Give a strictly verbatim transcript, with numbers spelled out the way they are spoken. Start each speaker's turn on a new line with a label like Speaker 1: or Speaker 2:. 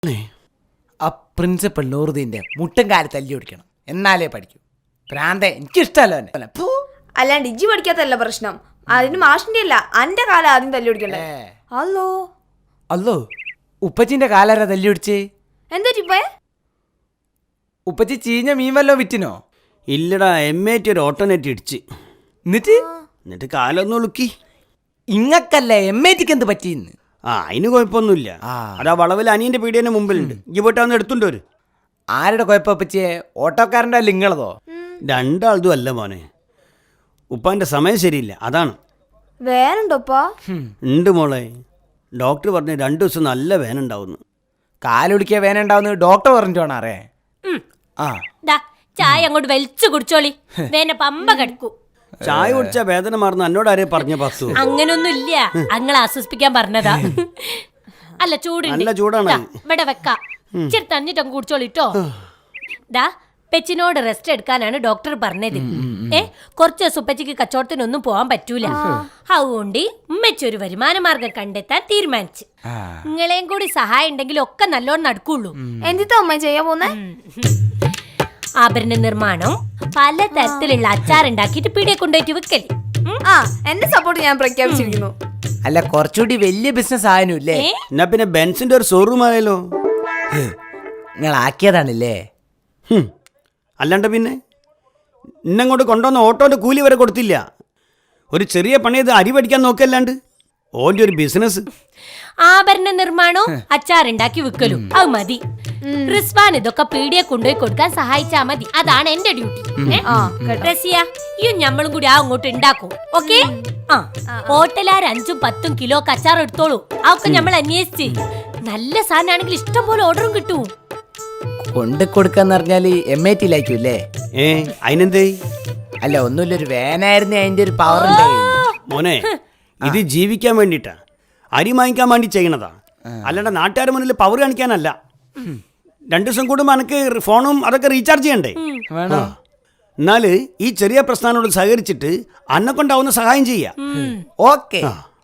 Speaker 1: ആ പ്രിൻസിപ്പൽ നൂറുദ്ദീന്റെ മുട്ടും കാല് തല്ലി ഓടിക്കണം, എന്നാലേ പഠിക്കൂ. പ്രാന്തെ, എനിക്കിഷ്ടമല്ലോ.
Speaker 2: അല്ലാണ്ട് ഇജ്ജി പഠിക്കാത്തല്ല പ്രശ്നം, അതിന് മാഷിന്റെ അല്ല അന്റെ കാലം ആദ്യം തല്ലി ഓടിക്കണ്ടേ. അല്ലോ
Speaker 1: അല്ലോ, ഉപ്പച്ചിന്റെ കാലാരാ തല്ലി ഓടിച്ചേ?
Speaker 2: എന്താ ചിപ്പേ?
Speaker 1: ഉപ്പച്ചി ചീഞ്ഞ മീൻ വല്ലോ വിറ്റിനോ?
Speaker 3: ഇല്ലടാ, എം എ ടി ഒരു ഓട്ടോനെറ്റ് ഇടിച്ച്.
Speaker 1: എന്നിട്ട്
Speaker 3: എന്നിട്ട് കാലൊന്നും ഉളുക്കി.
Speaker 1: ഇങ്ങക്കല്ലേ എം എ ടിക്ക് എന്ത് പറ്റിയെന്ന്?
Speaker 3: ആ, അതിന് കുഴപ്പമൊന്നുമില്ല. അതാ വളവിൽ അനിയന്റെ പീടിയന്റെ മുമ്പിലുണ്ട്. ഈ പോയിട്ടാന്ന് എടുത്തുണ്ടോ? ഒരു
Speaker 1: ആരുടെ കുഴപ്പം പറ്റിയേ? ഓട്ടോക്കാരൻ്റെ അല്ല നിങ്ങളതോ?
Speaker 3: രണ്ടാളതും അല്ല മോനെ, ഉപ്പാന്റെ സമയം ശരിയില്ല, അതാണ്.
Speaker 2: വേനുണ്ടോപ്പാ?
Speaker 3: ഉണ്ട് മോളെ, ഡോക്ടർ പറഞ്ഞു രണ്ടു ദിവസം നല്ല വേനുണ്ടാവുന്നു.
Speaker 1: കാലൊടിക്കിയ വേന ഉണ്ടാവുന്ന ഡോക്ടർ പറഞ്ഞിട്ടാണ് അറിയേ. ആ
Speaker 4: ചായ അങ്ങോട്ട് വലിച്ചു കുടിച്ചോളി, വേന പമ്പ കിടക്കൂ.
Speaker 3: ചായ കുടിച്ച വേദന മാറുന്ന എന്നോട് ആരെയും പറഞ്ഞ പത്തു?
Speaker 4: അങ്ങനൊന്നും ഇല്ല, അങ്ങളെ ആശ്വസിപ്പിക്കാൻ പറഞ്ഞതാ. അല്ല ചൂടുണ്ട്,
Speaker 3: നല്ല ചൂടാണ്.
Speaker 4: ഇവിടെ വെക്കാം, ഇച്ചിരി തന്നിട്ട് അങ്ങ് കുടിച്ചോളിട്ടോ. ഡാ, പെച്ചിനോട് റെസ്റ്റ് എടുക്കാനാണ് ഡോക്ടർ പറഞ്ഞത്. ഏ കുറച്ച് ദിവസം ഉപ്പച്ചിക്ക് കച്ചവടത്തിനൊന്നും പോവാൻ പറ്റൂല. അതുകൊണ്ട് ഉമ്മച്ചി ഒരു വരുമാന മാർഗം കണ്ടെത്താൻ തീരുമാനിച്ചു. നിങ്ങളെയും കൂടി സഹായം ഉണ്ടെങ്കിൽ ഒക്കെ നല്ലോണം നടക്കുള്ളൂ.
Speaker 2: എന്തിത്താ ഉമ്മ ചെയ്യാൻ പോന്നെ?
Speaker 4: ആഭരണ നിർമ്മാണം, പല തരത്തിലുള്ള അച്ചാർ ഉണ്ടാക്കിയിട്ട് പീടിയെ കൊണ്ടുപോയിട്ട് വിൽക്കല്.
Speaker 2: ആ, എന്റെ സപ്പോർട്ട് ഞാൻ പ്രഖ്യാപിച്ചിരിക്കുന്നു.
Speaker 1: അല്ല, കുറച്ചുകൂടി വലിയ ബിസിനസ് ആയനുല്ലേ?
Speaker 3: എന്നാ പിന്നെ ബെൻസിന്റെ ഒരു ഷോറൂം ആയാലോ?
Speaker 1: നിങ്ങൾ ആക്കിയതാണല്ലേ?
Speaker 3: അല്ലാണ്ട് പിന്നെ ഇന്നങ്ങോട്ട് കൊണ്ടുവന്ന ഓട്ടോന്റെ കൂലി വരെ കൊടുത്തില്ല. ഒരു ചെറിയ പണിയത് അരി പഠിക്കാൻ നോക്കല്ലാണ്ട് ഓന്റെ ഒരു ബിസിനസ്.
Speaker 4: ആഭരണ നിർമ്മാണവും അച്ചാറുണ്ടാക്കി വിൽക്കലും അത് മതി. റിസ്വാൻ ഇതൊക്കെ പീടിയെ കൊണ്ടുപോയി കൊടുക്കാൻ സഹായിച്ചാ മതി, അതാണ് എന്റെ ഡ്യൂട്ടി. റസിയ, ഈ ഞമ്മളും കൂടി ആ അങ്ങോട്ട് ഉണ്ടാക്കും. ഓക്കെ? ആ, ഹോട്ടലാർ അഞ്ചും പത്തും കിലോ അച്ചാർ എടുത്തോളൂ. അതൊക്കെ നമ്മൾ അന്വേഷിച്ച് നല്ല സാധനമാണെങ്കിൽ ഇഷ്ടം പോലെ ഓർഡറും കിട്ടും.
Speaker 1: കൊണ്ട് കൊടുക്കാന്ന് പറഞ്ഞാല് എം ഐ ടിയിലായിരിക്കൂല്ലേ?
Speaker 3: ഏ അതിനെന്തേ?
Speaker 1: അല്ല, ഒന്നുമില്ല, ഒരു വേനായിരുന്നു അതിന്റെ ഒരു പവർ ഉണ്ടായി.
Speaker 3: മോനെ, ഇത് ജീവിക്കാൻ വേണ്ടിട്ടാ, അരി വാങ്ങിക്കാൻ വേണ്ടി ചെയ്യണതാ, അല്ലാണ്ട് നാട്ടുകാരുടെ മുന്നിൽ പവർ കാണിക്കാനല്ല. രണ്ടു ദിവസം കൂടുമ്പോ എനിക്ക് ഫോണും അതൊക്കെ റീചാർജ് ചെയ്യണ്ടേ? എന്നാല് ഈ ചെറിയ പ്രശ്നങ്ങളോട് സഹകരിച്ചിട്ട് അന്നെ കൊണ്ടാവുന്ന സഹായം ചെയ്യാം.
Speaker 1: ഓക്കെ.